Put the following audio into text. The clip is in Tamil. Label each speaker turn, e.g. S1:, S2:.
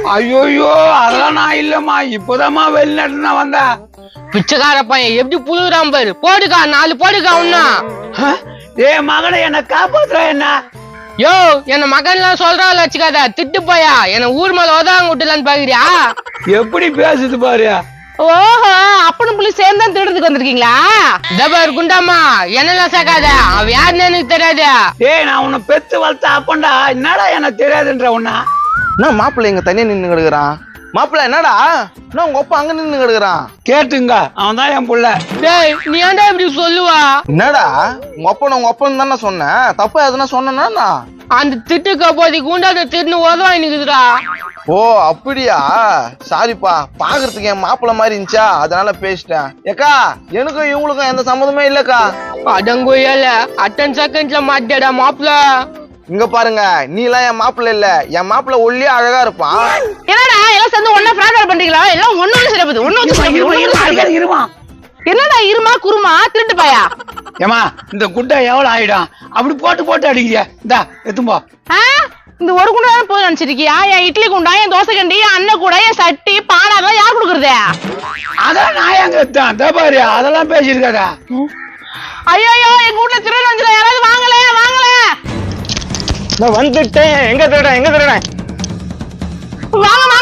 S1: ஐயோயோ அதெல்லாம் நான் இல்லம்மா, இப்போதாம்மா வெளிநாட்டுல நான் வந்தேன்.
S2: பிச்சைக்கார பையன் எப்படி புழுகுறான் பாரு. போடுக்கா 4 போடுக்கா ஒன்னா.
S1: ஏ மகனை என்ன காப்பாத்துற என்ன?
S2: யோ என்ன மகன்லாம் சொல்றான் வச்சுக்காத, திட்டு போயா என்ன ஊர் மேல உதவாங்க விட்டுலான்னு பாக்குறியா?
S1: எப்படி பேசுது பாரு.
S2: ஓஹோ, அப்பனும் புள்ளி சேர்ந்து தான் திருடுறதுக்கு வந்திருக்கீங்களா? தபார் குண்டாமா என்னெல்லாம் சேர்க்காத, அவன் யாருன்னு எனக்கு தெரியாது.
S1: ஏய் நான் உன்னை பெத்து வளர்த்த அப்பண்டா, என்னடா எனக்கு தெரியாதுன்ற உன்ன.
S3: என்ன மாப்பிள்ளை இங்க தனியா நின்று கிடக்குறான்? மாப்பிள்ள என்னடா, என்ன உங்க அப்பா அங்க நின்று கிடக்குறான்?
S1: கேட்டுங்க, அவன் தான் என் புள்ள.
S2: டேய் நீ ஏன்டா இப்படி சொல்லுவா?
S3: என்னடா உங்க அப்பன்னு தானே சொன்னேன், தப்பா எதுனா சொன்னா?
S2: அந்த திட்டுக்க போதி குண்டாத திட்டு உதவா நிக்குதுடா.
S3: ஓ அப்படியா, சாரிப்பா, பாக்குறதுக்கு என் மாப்பிள்ள மாதிரி இருந்துச்சா அதனால பேசிட்டேன். ஏக்கா எனக்கும் இவங்களுக்கும் எந்த சம்மந்தமே இல்லக்கா.
S2: அடங்கோயல அட்டன் செகண்ட்ல மாட்டேடா மாப்பிள்ள.
S3: இங்க பாருங்க, நீ எல்லாம் என் மாப்பிள்ள இல்ல, என் மாப்பிள்ள ஒல்லியா அழகா இருப்பான்.
S2: என்னடா எல்லாம் சேர்ந்து ஒன்னா ஃப்ராட் பண்றீங்களா? எல்லாம் ஒண்ணு சிறப்புது ஒண்ணு
S1: இருமா.
S2: என்னடா இருமா குருமா திருட்டு பாயா?
S1: ஏமா இந்த குட்டை எவ்வளவு ஆயிடும்? அப்படி போட்டு போட்டு அடிக்கிறியா? இந்தா எத்தும்போ.
S2: இந்த ஒரு குண்டா தான் போய் நினைச்சிருக்கியா? என் இட்லி குண்டா, என் தோசை கண்டி, அண்ணன் கூட, என் சட்டி பானை அதெல்லாம் யார் கொடுக்குறது?
S1: அதான் நான் எங்க எத்தான் பாரு, அதெல்லாம் பேசிருக்காதா.
S2: ஐயோ எங்க வீட்டுல திருடன் வந்துடும், யாராவது வாங்கல வாங்கல.
S3: நான் வந்துட்டேன். எங்க திருடேன்?
S2: வாங்க